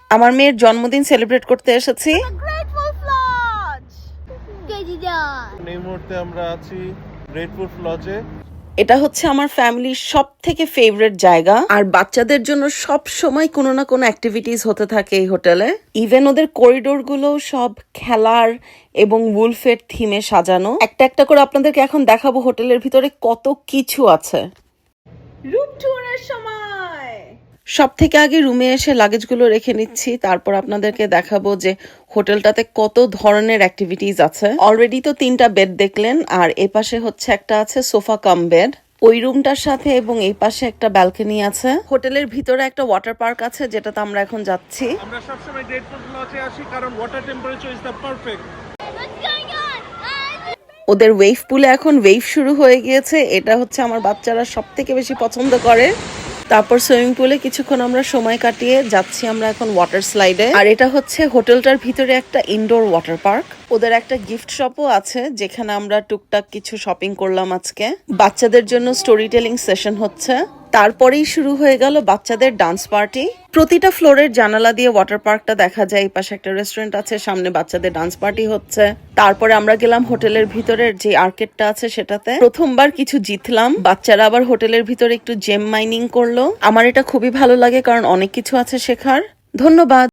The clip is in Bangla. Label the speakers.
Speaker 1: আমার মেয়ের জন্মদিন সেলিব্রেট করতে এসেছি।
Speaker 2: এই মুহূর্তে আমরা আছি গ্রেটফুল লজে।
Speaker 1: এটা হচ্ছে আমার ফ্যামিলির সব থেকে ফেভারিট জায়গা, আর বাচ্চাদের জন্য সব সময় কোনো না কোনো অ্যাক্টিভিটিস হতে থাকে এই হোটেলে। ইভেন ওদের করিডোর গুলো সব খেলার এবং উলফের থিমে সাজানো। একটা একটা করে আপনাদেরকে এখন দেখাবো হোটেলের ভিতরে কত কিছু আছে। রুম ট্যুরের সময় সব থেকে আগে রুমে এসে লাগেজগুলো রেখে নিচ্ছি, তারপর আপনাদেরকে দেখাবো যে হোটেলটাতে কত ধরনের অ্যাক্টিভিটিস আছে। অলরেডি তো 3টা বেড দেখলেন, আর এ পাশে হচ্ছে একটা আছে সোফা কাম বেড ওই রুমটার সাথে, এবং এই পাশে একটা ব্যালকনি আছে। হোটেলের ভিতরে একটা ওয়াটার পার্ক আছে, যেটাতে আমরা এখন যাচ্ছি।
Speaker 2: আমরা সবসময় গ্রেটফুল লজে আসি কারণ water temperature is the perfect.
Speaker 1: ওদের ওয়েভ পুলে এখন ওয়েভ শুরু হয়ে গিয়েছে, এটা হচ্ছে আমার বাচ্চারা সব থেকে বেশি পছন্দ করে। তারপর সুইমিং পুলে কিছুক্ষণ আমরা সময় কাটিয়ে যাচ্ছি আমরা এখন ওয়াটার স্লাইডে। আর এটা হচ্ছে হোটেলটার ভিতরে একটা ইনডোর ওয়াটার পার্ক। ওদের একটা গিফট শপও আছে, যেখানে আমরা টুকটাক কিছু শপিং করলাম আজকে। বাচ্চাদের জন্য স্টোরি টেলিং সেশন হচ্ছে। তারপরেই শুরু হয়ে গেল বাচ্চাদের ডান্স পার্টি। প্রতিটা ফ্লোরের জানালা দিয়ে ওয়াটার পার্কটা দেখা যায়। এই পাশে একটা রেস্টুরেন্ট আছে, সামনে বাচ্চাদের ডান্স পার্টি হচ্ছে। তারপরে আমরা গেলাম হোটেলের ভিতরের যে আর্কেডটা আছে সেটাতে। প্রথমবার কিছু জিতলাম। বাচ্চারা আবার হোটেলের ভিতরে একটু জেম মাইনিং করলো। আমার এটা খুবই ভালো লাগে, কারণ অনেক কিছু আছে শেখার। ধন্যবাদ।